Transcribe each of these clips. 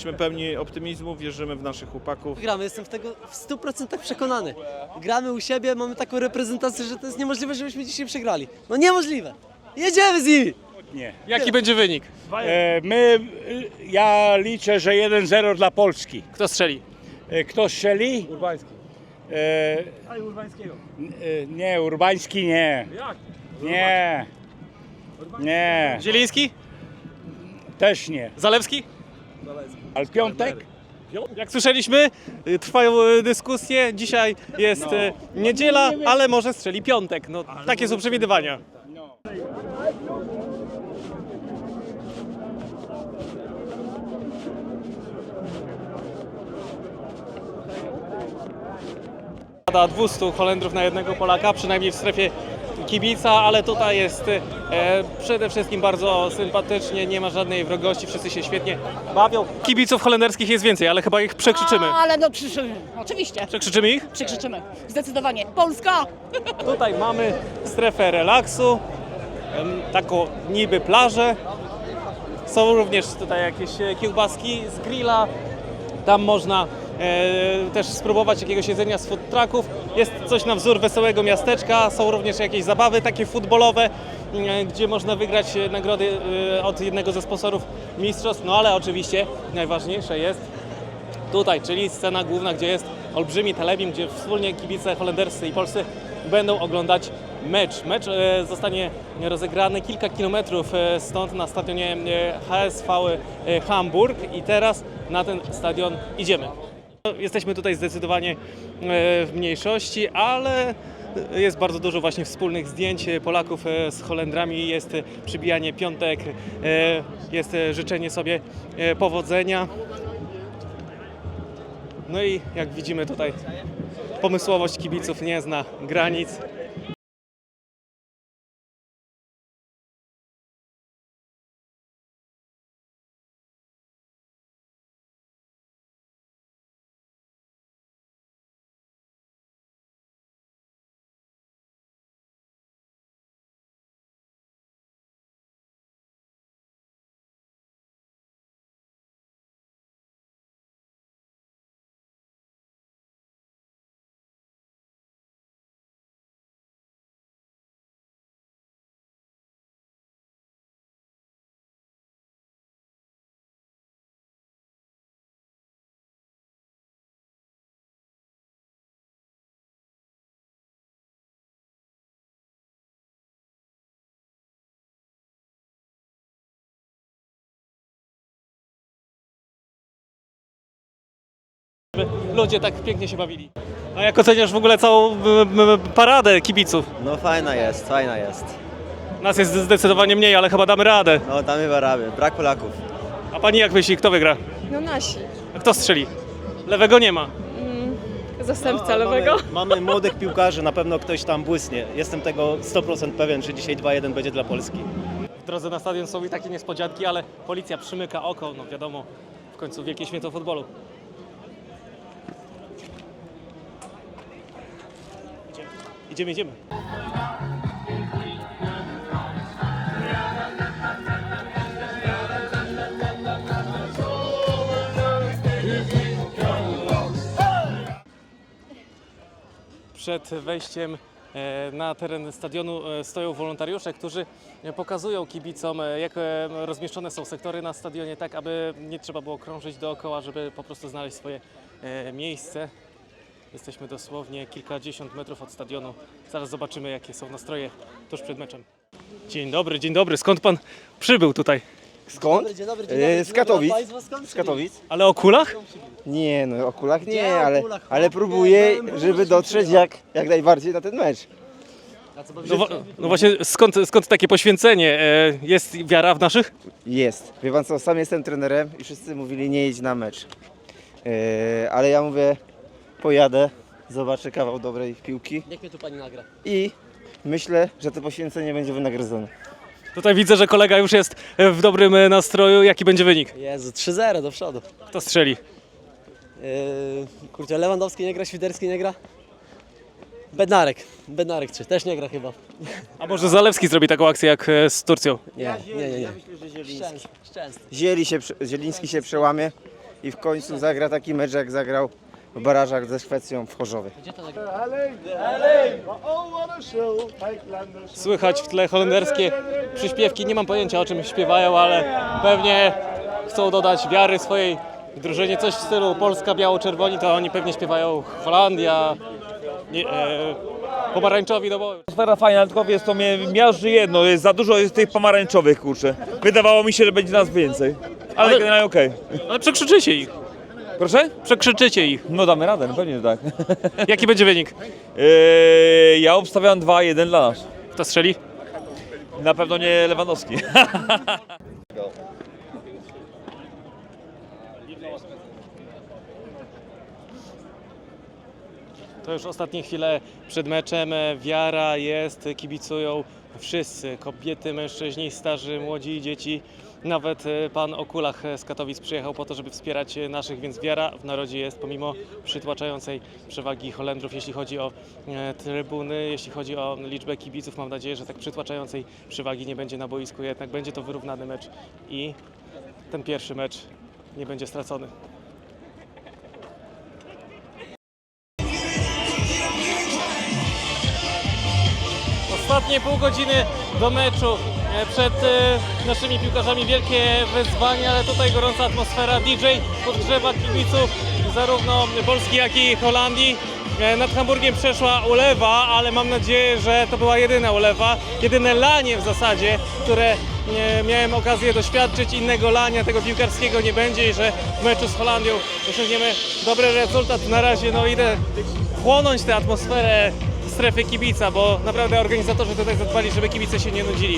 Jesteśmy pełni optymizmu, wierzymy w naszych chłopaków. Gramy, jestem tego w 100% przekonany. Gramy u siebie, mamy taką reprezentację, że to jest niemożliwe, żebyśmy dzisiaj przegrali. No niemożliwe. Jedziemy z nimi! Nie. Jaki będzie wynik? Ja liczę, że 1-0 dla Polski. Kto strzeli? Kto strzeli? Urbański. E, nie, Urbański nie. Jak? Nie. Nie, Zieliński? też nie. Zalewski? Ale Piątek? Jak słyszeliśmy, trwają dyskusje. Dzisiaj jest niedziela, ale może strzeli piątek. No, takie są przewidywania. Pada 200 Holendrów na jednego Polaka, przynajmniej w strefie kibica, ale tutaj jest przede wszystkim bardzo sympatycznie, nie ma żadnej wrogości, wszyscy się świetnie bawią. Kibiców holenderskich jest więcej, ale chyba ich przekrzyczymy. Ale no krzyczymy, oczywiście, Przekrzyczymy ich? przykrzyczymy, zdecydowanie. Polska! Tutaj mamy strefę relaksu, taką niby plażę. Są również tutaj jakieś kiełbaski z grilla. Tam można też spróbować jakiegoś jedzenia z food trucków. Jest coś na wzór wesołego miasteczka. Są również jakieś zabawy takie futbolowe, gdzie można wygrać nagrody od jednego ze sponsorów mistrzostw. No ale oczywiście najważniejsze jest tutaj, czyli scena główna, gdzie jest olbrzymi telebim, gdzie wspólnie kibice holenderscy i polscy będą oglądać mecz. Mecz zostanie rozegrany kilka kilometrów stąd na stadionie HSV Hamburg i teraz na ten stadion idziemy. Jesteśmy tutaj zdecydowanie w mniejszości, ale jest bardzo dużo właśnie wspólnych zdjęć Polaków z Holendrami, jest przybijanie piątek, jest życzenie sobie powodzenia. No i jak widzimy tutaj pomysłowość kibiców nie zna granic. Ludzie tak pięknie się bawili. A jak oceniasz w ogóle całą paradę kibiców? No fajna jest, fajna jest. Nas jest zdecydowanie mniej, ale chyba damy radę. No damy baraby, brak Polaków. A pani jak myśli, kto wygra? No nasi. A kto strzeli? Lewego nie ma. Zastępca lewego. Mamy młodych piłkarzy, na pewno ktoś tam błysnie. Jestem tego 100% pewien, że dzisiaj 2-1 będzie dla Polski. W drodze na stadion są i takie niespodzianki, ale policja przymyka oko, no wiadomo, w końcu wielkie święto futbolu. Idziemy. Przed wejściem na teren stadionu stoją wolontariusze, którzy pokazują kibicom, jak rozmieszczone są sektory na stadionie, tak aby nie trzeba było krążyć dookoła, żeby po prostu znaleźć swoje miejsce. Jesteśmy dosłownie kilkadziesiąt metrów od stadionu. Zaraz zobaczymy, jakie są nastroje tuż przed meczem. Dzień dobry. Skąd pan przybył tutaj? Skąd? Dzień dobry. Z Katowic. Państwo skąd? Z Katowic? Ale o kulach? Nie, no o kulach Gdzie nie, o ale, kulach? ale Chłopie, próbuję, byłem żeby różny dotrzeć jak najbardziej na ten mecz. No właśnie, skąd takie poświęcenie? Jest wiara w naszych? Jest. Wie pan co, sam jestem trenerem i wszyscy mówili nie idź na mecz. Ale ja mówię, pojadę, zobaczę kawał dobrej piłki Niech mnie tu pani nagra. i myślę, że to poświęcenie będzie wynagrodzone. Tutaj widzę, że kolega już jest w dobrym nastroju. Jaki będzie wynik? Jezu, 3-0 do przodu. Kto strzeli? Kurczę, Lewandowski nie gra, Świderski nie gra? Bednarek 3, też nie gra chyba. A może Zalewski zrobi taką akcję jak z Turcją? Nie. Ja myślę, że Szczęsny. Zieliński się przełamie i w końcu zagra taki mecz, jak zagrał w barażach ze Szwecją w Chorzowie. Słychać w tle holenderskie przyśpiewki. Nie mam pojęcia, o czym śpiewają, ale pewnie chcą dodać wiary swojej drużynie. Coś w stylu Polska, biało-czerwoni, to oni pewnie śpiewają Holandia, pomarańczowi do boju. Atmosfera fajna, tylko wiesz, to mnie miażdży jedno, jest za dużo jest tych pomarańczowych, kurczę. Wydawało mi się, że będzie nas więcej, ale generalnie okej. Ale przekrzyczycie ich. Proszę? Przekrzyczycie ich. No damy radę, no pewnie, że tak. Jaki będzie wynik? Ja obstawiam 2-1 dla nas. Kto strzeli? Na pewno nie Lewandowski. To już ostatnie chwile przed meczem. Wiara jest, kibicują wszyscy. Kobiety, mężczyźni, starzy, młodzi, dzieci. Nawet pan o kulach z Katowic przyjechał po to, żeby wspierać naszych, więc wiara w narodzie jest pomimo przytłaczającej przewagi Holendrów, jeśli chodzi o trybuny, jeśli chodzi o liczbę kibiców. Mam nadzieję, że tak przytłaczającej przewagi nie będzie na boisku, jednak będzie to wyrównany mecz i ten pierwszy mecz nie będzie stracony. Ostatnie pół godziny do meczu. Przed naszymi piłkarzami wielkie wyzwanie, ale tutaj gorąca atmosfera. DJ podgrzewa kibiców zarówno Polski, jak i Holandii. Nad Hamburgiem przeszła ulewa, ale mam nadzieję, że to była jedyna ulewa, jedyne lanie w zasadzie, które miałem okazję doświadczyć. Innego lania tego piłkarskiego nie będzie i że w meczu z Holandią osiągniemy dobry rezultat. Na razie idę chłonąć tę atmosferę strefy kibica, bo naprawdę organizatorzy tutaj zadbali, żeby kibice się nie nudzili.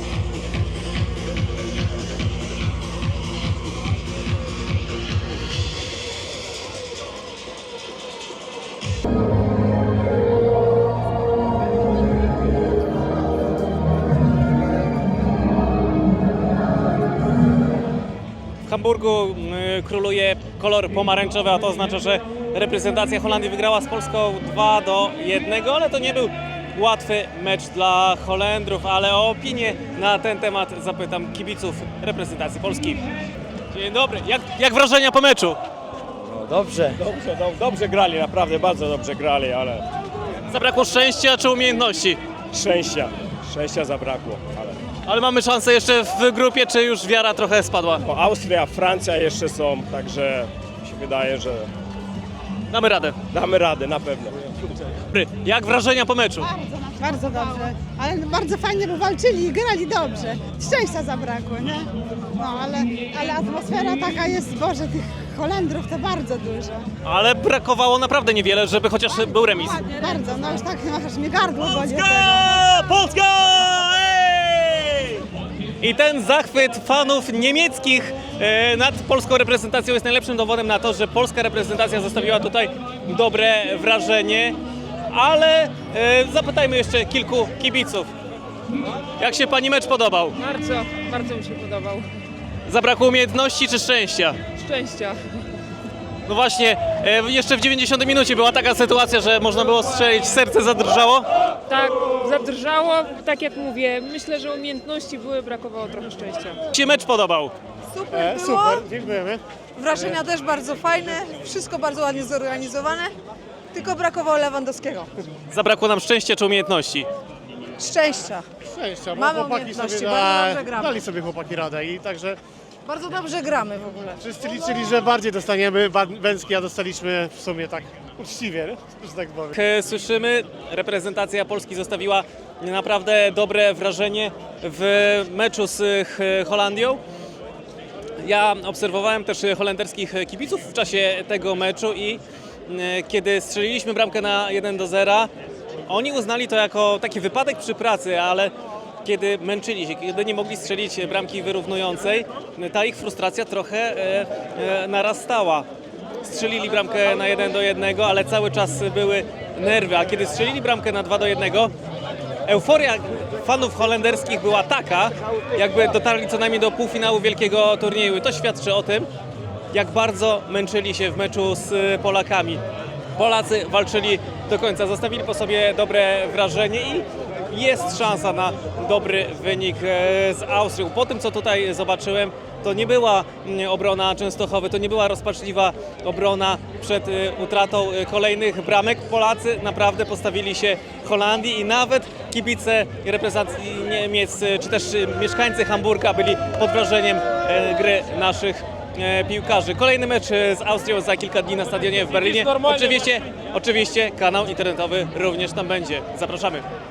W Hamburgu króluje kolor pomarańczowy, a to oznacza, że reprezentacja Holandii wygrała z Polską 2-1, ale to nie był łatwy mecz dla Holendrów, ale o opinię na ten temat zapytam kibiców reprezentacji Polski. Dzień dobry, jak wrażenia po meczu? Dobrze grali, naprawdę bardzo dobrze grali, ale Zabrakło szczęścia czy umiejętności? szczęścia zabrakło. Ale mamy szansę jeszcze w grupie, czy już wiara trochę spadła? Bo Austria, Francja jeszcze są, także mi się wydaje, że Damy radę. damy radę na pewno. Dobry, jak wrażenia po meczu? Bardzo dobrze, ale bardzo fajnie, bo walczyli i grali dobrze. Szczęścia zabrakło, nie? No, ale atmosfera taka jest, Boże, tych Holendrów to bardzo dużo. Ale brakowało naprawdę niewiele, żeby chociaż był remis. Bardzo, no już tak, aż mnie gardło boli. Polska! Ej! I ten zachwyt fanów niemieckich nad polską reprezentacją jest najlepszym dowodem na to, że polska reprezentacja zostawiła tutaj dobre wrażenie. Ale zapytajmy jeszcze kilku kibiców. Jak się pani mecz podobał? Bardzo mi się podobał. Zabrakło umiejętności czy szczęścia? Szczęścia. No właśnie, jeszcze w 90 minucie była taka sytuacja, że można było strzelić, serce zadrżało. Tak, zadrżało, tak jak mówię, myślę, że umiejętności były, brakowało trochę szczęścia. Jak się mecz podobał? Super było. Super, dziękujemy. Wrażenia też bardzo fajne, wszystko bardzo ładnie zorganizowane, tylko brakowało Lewandowskiego. Zabrakło nam szczęścia czy umiejętności? Szczęścia. Szczęścia, bo Mamy chłopaki umiejętności, sobie bardzo dobrze gramy. dali sobie chłopaki radę i także Bardzo dobrze gramy w ogóle. wszyscy liczyli, że bardziej dostaniemy Bęcki, a dostaliśmy w sumie tak uczciwie, że tak powiem. Jak słyszymy, reprezentacja Polski zostawiła naprawdę dobre wrażenie w meczu z Holandią. Ja obserwowałem też holenderskich kibiców w czasie tego meczu i kiedy strzeliliśmy bramkę na 1-0, oni uznali to jako taki wypadek przy pracy, ale kiedy męczyli się, kiedy nie mogli strzelić bramki wyrównującej, ta ich frustracja trochę narastała. Strzelili bramkę na 1-1, ale cały czas były nerwy, a kiedy strzelili bramkę na 2-1, euforia fanów holenderskich była taka, jakby dotarli co najmniej do półfinału wielkiego turnieju. I to świadczy o tym, jak bardzo męczyli się w meczu z Polakami. Polacy walczyli do końca, zostawili po sobie dobre wrażenie i jest szansa na dobry wynik z Austrią. Po tym, co tutaj zobaczyłem, To nie była obrona Częstochowy, to nie była rozpaczliwa obrona przed utratą kolejnych bramek. Polacy naprawdę postawili się Holandii i nawet kibice reprezentacji Niemiec, czy też mieszkańcy Hamburga byli pod wrażeniem gry naszych piłkarzy. Kolejny mecz z Austrią za kilka dni na stadionie w Berlinie. Oczywiście kanał internetowy również tam będzie. Zapraszamy.